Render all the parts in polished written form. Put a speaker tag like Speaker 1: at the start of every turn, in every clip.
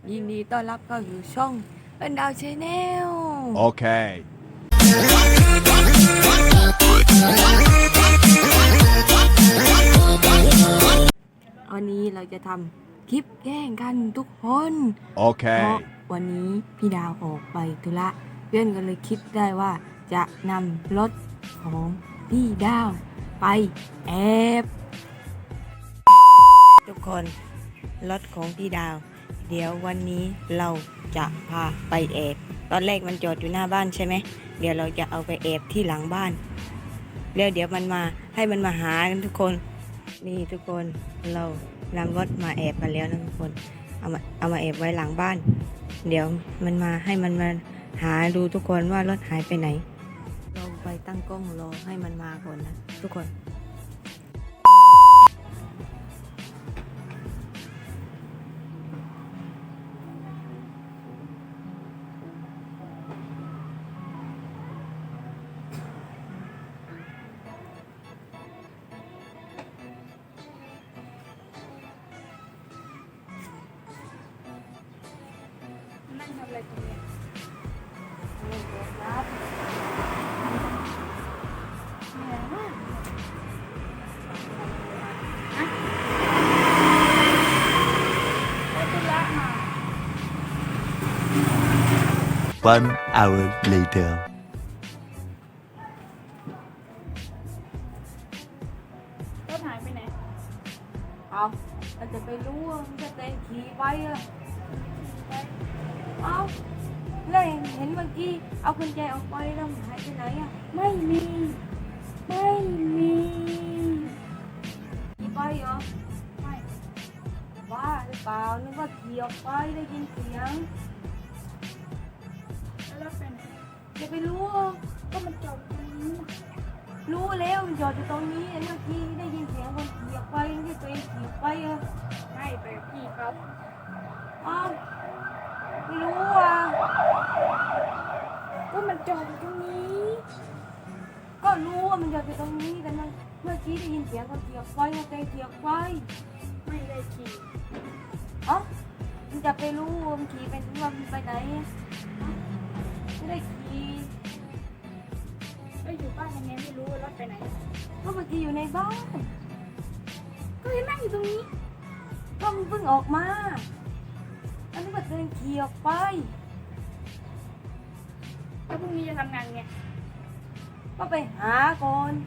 Speaker 1: ยินดีต้อนรับเข้าสู่ช่องเอิ้นดาวชาแนล
Speaker 2: Okay.
Speaker 1: วันนี้เราจะทำคลิปแกล้งกันทุกคน เพราะ
Speaker 2: Okay.
Speaker 1: วันนี้พี่ดาวออกไปธุระเพื่อนก็เลยคิดได้ว่าจะนำรถของพี่ดาวไปแอบทุกคนรถของพี่ดาว เดี๋ยววันนี้เราจะพาไปแอบตอนแรกมันจอดอยู่หน้าบ้านใช่ไหมเดี๋ยวเราจะเอาไปแอบที่หลังบ้านแล้วเดี๋ยวมันมาให้มันมาหากันทุกคนนี่ทุกคนเรานำรถมาแอบกันแล้วนะทุกคนเอามาแอบไว้หลังบ้าน เดี๋ยวมันมาให้มันมาหาดูทุกคนว่ารถหายไปไหนเราไปตั้งกล้องรอให้มันมาก่อนนะทุกคน
Speaker 3: นั่งทำอะไรตรงเนี้ยเหนื่อยมากอะไปธุระมา
Speaker 4: 1 hour later.
Speaker 3: รถหายไปไหน
Speaker 1: เอาเราจะไปรู้ว่ามันจะเต้นขี่ไปอะเอาแล้วเห็นเมื่อกี้เอากุญแจออกไปแล้วมันหายไปไหนอะ
Speaker 3: ไม่มี ไม่มี
Speaker 1: ขี่ไปเหรอ
Speaker 3: ไม่
Speaker 1: บ้าหรือเปล่านึกว่าขี่ออกไปได้ยินเสียง
Speaker 3: แล้วรถไปไหน
Speaker 1: จะไปรู้
Speaker 3: ก็มันจอดตรงนี้
Speaker 1: รู้แล้วมันจอดอยู่ตรงนี้เมื่อกี้ได้ยินเสียงคนขี่ออกไปไม่ใช่ตัวเองขี่ออกไปอะ
Speaker 3: ไม่ไปกับพี่เขา
Speaker 1: อ้าวไม่รู้อ่ะ
Speaker 3: ก็มันจอดอยู่ตรงนี้
Speaker 1: ก็รู้ว่ามันจอดอยู่ตรงนี้แต่มันเมื่อกี้ได้ยินเสียงคนขี่ออกไปว่าตัวเองขี่ออกไป
Speaker 3: ไม่ได้ขี่
Speaker 1: เอ้ามันจะไปรู้ว่ามันขี่ไปว่ามันไปไหนอะไม่ได้ขี่
Speaker 3: ก็อยู่บ้านยังไงไม่รู้ว่ารถไปไหน
Speaker 1: ก็เมื่อกี้อยู่ในบ้าน
Speaker 3: ก็ยังนั่งอยู่ตรงนี้
Speaker 1: ก็มันเพิ่งออกมาแล้วนึกว่าตัวเองขี่ออกไป
Speaker 3: แล้วพรุ่งนี้จะทำงานไง
Speaker 1: ก็ไปหาก่อนสิ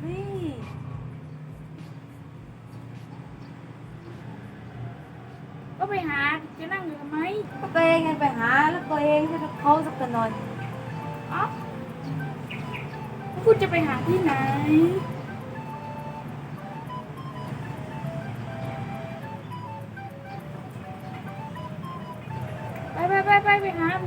Speaker 3: ก็ไปหาจะนั่งอยู่ทำไม
Speaker 1: ก็ตัวเองไงไปหาแล้วตัวเองจะเขาสักหน่อย
Speaker 3: เอ้าคุณจะไปหาที่ไหน ไปหา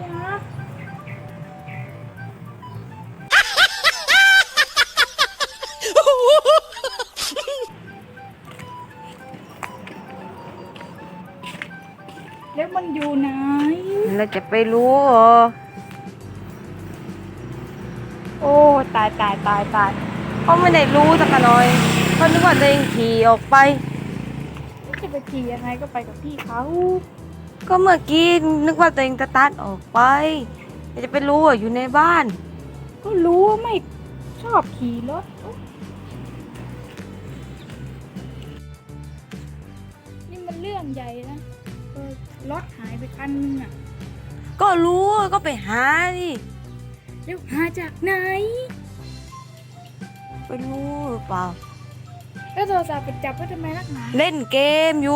Speaker 3: แล้วมันอยู่ไหน
Speaker 1: เราจะไปรู้เหรอ
Speaker 3: โอ้ตาย
Speaker 1: เขาไม่ได้รู้สักหน่อยเขานึกว่าตัวเองขี่ออกไป
Speaker 3: จะไปขี่ยังไงก็ไปกับพี่เขา
Speaker 1: ก็เมื่อกี้นึกว่าตัวเองจะตัดออกไปแต่จะไปรู้ว่าอยู่ในบ้าน
Speaker 3: ก็รู้ว่าไม่ชอบขี่รถนี่มันเรื่องใหญ่นะรถหายไปคันนึงอ่ะ
Speaker 1: ก็รู้ก็ไปหาดิ
Speaker 3: แล้วหาจากไหน
Speaker 1: ไปรู้หรือเปล่า
Speaker 3: แล้วโทรศัพท์ไปจับไว้ทำไมนักหนา
Speaker 1: เล่นเกมอยู่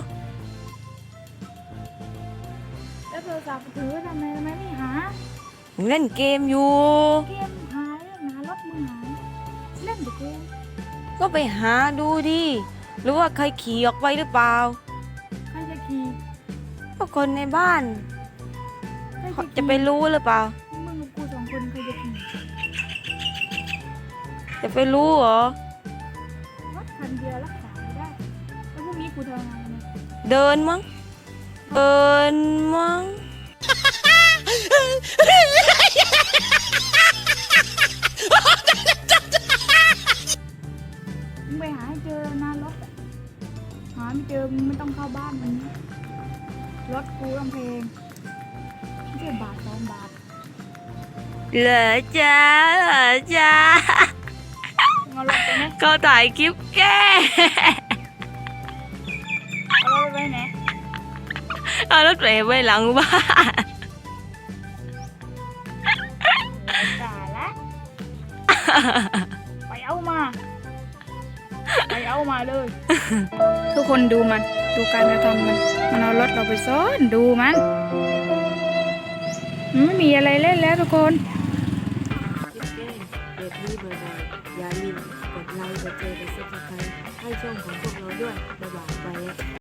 Speaker 3: แล้วโทรศัพท์ถือไว้ทำไมไม่หา
Speaker 1: เล่นเกมอยู่
Speaker 3: เกมหายเรื่องหารถมึงหายเล่นแต่เกม
Speaker 1: ก็ไปหาดูดิหรือว่าใครขี่ออกไปหรือเปล่า
Speaker 3: ใครจะขี่
Speaker 1: ก็คนในบ้าน
Speaker 3: ใคร
Speaker 1: เขา
Speaker 3: จะ
Speaker 1: จะไปรู้หรือเปล่า
Speaker 3: มึงกับกูสองคนใครจะขี่
Speaker 1: จะไปรู้เหรอ
Speaker 3: รถคันเดียวรักษาไม่ได้ แล้วพรุ่งนี้กูทำงานไง
Speaker 1: เดินมั้งเดินมั้ง
Speaker 3: มึงไปหาให้เจอนะรถอะหาไม่เจอมึงไม่ต้องเข้าบ้านมันรถกูกำแพงแค่บาท2 บาท
Speaker 1: เหลือจ้าเหลือจ้า
Speaker 3: เอารถไปไหน
Speaker 1: เขาถ่ายคลิปแก
Speaker 3: เอารถไปไหน
Speaker 1: เอารถไปไว้หลังบ้าน
Speaker 3: จ่าละ ไปเอามา ไปเอามาเลย ทุกคนดูมัน ดูการกระทำมัน มันเอารถเราไปซ่อนดูมันไม่มีอะไรเล่นแล้วทุกคน
Speaker 1: คลิปแกแบบนี้บ่อยๆอย่าลืมกดไลค์กดแชร์กดซับสไครต์ให้ช่องของพวกเราด้วยบ๊ายบายไปแล้ว